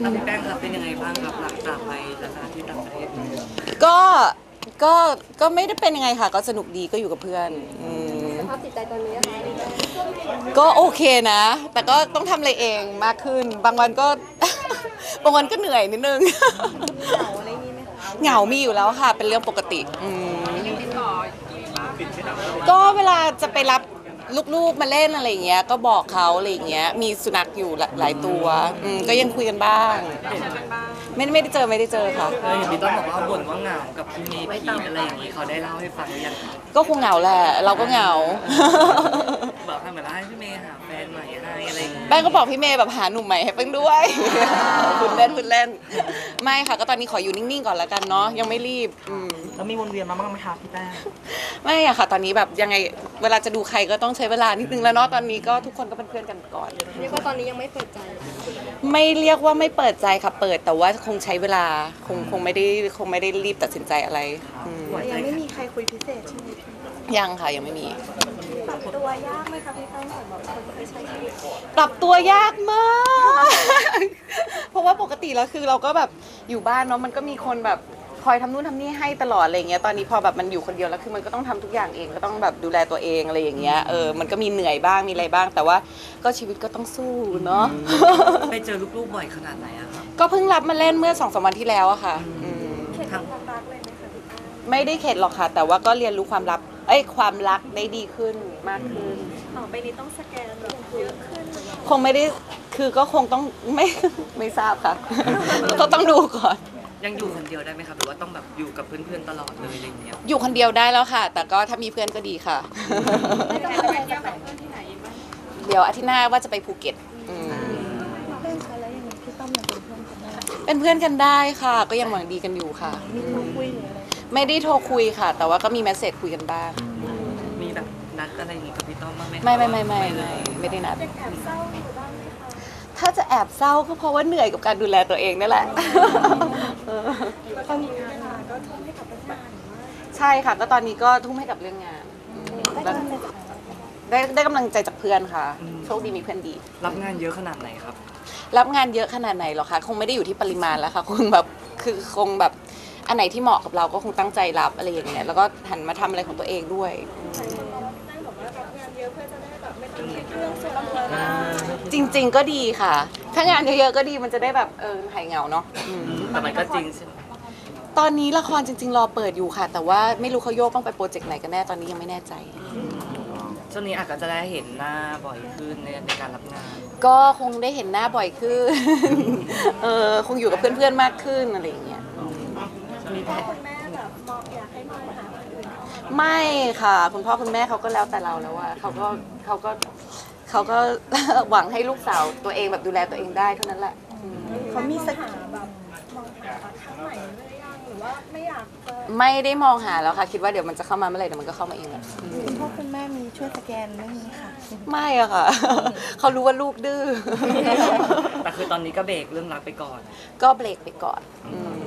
พี่แป้งครับเป็นยังไงบ้างครับหลังจากไปสถานที่ต่างประเทศก็ก็ก็ไม่ได้เป็นยังไงค่ะก็สนุกดีก็อยู่กับเพื่อนสภาพจิตใจตอนนี้นะคะก็โอเคนะ แต่ก็ต้องทำอะไรเองมากขึ้น บางวันก็ บางวันก็เหนื่อยนิดนึงเหงาอะไรนี้ไหมคะเหงามีอยู่แล้วค่ะ เป็นเรื่องปกติก็เวลาจะไปรับลูกๆมาเล่นอะไรอย่างเงี้ยก็บอกเขาอะไรอย่างเงี้ยมีสุนัขอยู่หลายตัวก็ยังคุยกันบ้างไม่ได้เจอค่ะเห็นพี่ต้นบอกว่าบ่นว่าเหงากับพี่เมย์พีทอะไรอย่างนี้เขาได้เล่าให้ฟังหรือยังครับก็คงเหงาแหละเราก็เหงาบอกให้เหมือนให้พี่เมย์หาแฟนใหม่ให้อะไรอย่างงี้แป้งก็บอกพี่เมย์แบบหาหนุ่มใหม่ให้แป้งด้วย คุณเล่นไม่ค่ะก็ตอนนี้ขออยู่นิ่งๆก่อนแล้วกันเนาะยังไม่รีบแล้วมีวนเวียนมาบ้างไหมคะพี่แป้งไม่อะค่ะ ตอนนี้แบบยังไงเวลาจะดูใครก็ต้องใช้เวลานิดนึงแล้วเนาะตอนนี้ก็ทุกคนก็เป็นเพื่อนกันก่อนเรียกว่าตอนนี้ยังไม่เปิดใจไม่เรียกว่าไม่เปิดใจค่ะเปิดแต่ว่าคงใช้เวลาคงไม่ได้รีบตัดสินใจอะไรยังไม่มีใครคุยพิเศษใช่ไหมยังค่ะยังไม่มีปรับตัวยากไหมคะพี่แป้งสำหรับคนที่ใช้ชีวิตปรับตัวยากมาก เพราะว่าปกติแล้วคือเราก็แบบอยู่บ้านเนาะมันก็มีคนแบบคอยทำนู่นทำนี่ให้ตลอดอะไรเงี้ยตอนนี้พอแบบมันอยู่คนเดียวแล้วคือมันก็ต้องทำทุกอย่างเองก็ต้องแบบดูแลตัวเองอะไรอย่างเงี้ยมันก็มีเหนื่อยบ้างมีอะไรบ้าง แต่ว่าก็ชีวิตก็ต้องสู้เนาะไปเจอลูกๆบ่อยขนาดไหนอะครับก็เพิ่งรับมาเล่นเมื่อ2-3 วันที่แล้วอะค่ะเข็ดกับความรักเลยไหมคะพี่แป้งไม่ได้เข็ดหรอกค่ะ แต่ว่าก็เรียนรู้ความรักได้ดีขึ้นมากขึ้นต่อไปนี้ต้องสแกนแบบเยอะขึ้นคงไม่ได้คือก็คงต้องไม่ทราบค่ะ ก็ต้องดูก่อนยังอยู่คนเดียวได้ไหมครับหรือว่าต้องแบบอยู่กับเพื่อนๆตลอดเลยอะไรอย่างเงี้ยอยู่คนเดียวได้แล้วค่ะ แต่ก็ถ้ามีเพื่อนก็ดีค่ะไม่ต้องไปเที่ยวกับเพื่อนที่ไหนบ้างเดี๋ยวอาทิตย์หน้าว่าจะไปภูเก็ตเพื่อนคะแล้วอย่างนี้พี่ต้อมยังเป็นเพื่อนกันได้เป็นเพื่อนกันได้ค่ะ ก็ยังหวังดีกันอยู่ค่ะมีโทรคุยหรืออะไรไม่ได้โทรคุยค่ะ แต่ว่าก็มีเมสเซจคุยกันบ้างมีแบบนัดอะไรอย่างงี้กับพี่ต้อมบ้างไหมครับไม่ได้นัดยังแอบเศร้าอยู่บ้างไหมคะถ้าจะแอบเศร้าก็เพราะว่าเหนื่อยกับการดูแลตัวเองนั่นแหละพอมีงานมาก็ทุ่มให้กับเรื่องงานหรือว่าใช่ค่ะ ก็ตอนนี้ก็ทุ่มให้กับเรื่องงาน ได้กำลังใจจากเพื่อนค่ะ โชคดีมีเพื่อนดีรับงานเยอะขนาดไหนครับรับงานเยอะขนาดไหนหรอคะคงไม่ได้อยู่ที่ปริมาณแล้วค่ะคงแบบคงแบบอันไหนที่เหมาะกับเราก็คงตั้งใจรับอะไรอย่างเงี้ยแล้วก็หันมาทำอะไรของตัวเองด้วยได้บอกว่ารับงานเยอะเพื่อจะได้แบบไม่ต้องคิดเรื่องส่วนตัวจริง ๆ ก็ดีค่ะ ถ้างานเยอะๆก็ดีมันจะได้แบบหายเหงาเนาะแต่มันก็จริงใช่ไหมตอนนี้ละครจริง ๆ รอเปิดอยู่ค่ะ แต่ว่าไม่รู้เขาโยกต้องไปโปรเจกต์ไหนกันแน่ตอนนี้ยังไม่แน่ใจช่วงนี้อาจจะได้เห็นหน้าบ่อยขึ้นในการรับงานก็คงได้เห็นหน้าบ่อยขึ้น คงอยู่กับเพื่อนๆมากขึ้นอะไรอย่างเงี้ยคุณพ่อคุณแม่แบบมองอยากให้มองหาคนอื่นเข้ามาไม่ค่ะ คุณพ่อคุณแม่เขาก็แล้วแต่เราแล้วอะเขาก็ หวังให้ลูกสาวตัวเองแบบดูแลตัวเองได้เท่านั้นแหละเขามีสักแบบมองหาครั้งใหม่หรือยังหรือว่าไม่อยากจะไม่ได้มองหาแล้วค่ะ คิดว่าเดี๋ยวมันจะเข้ามาเมื่อไหร่เดี๋ยวมันก็เข้ามาเองแหละคุณพ่อคุณแม่มีช่วยสแกนเรื่องนี้ค่ะไม่อะค่ะ เขารู้ว่าลูกดื้อแต่คือตอนนี้ก็เบรกเรื่องรักไปก่อนก็เบรกไปก่อน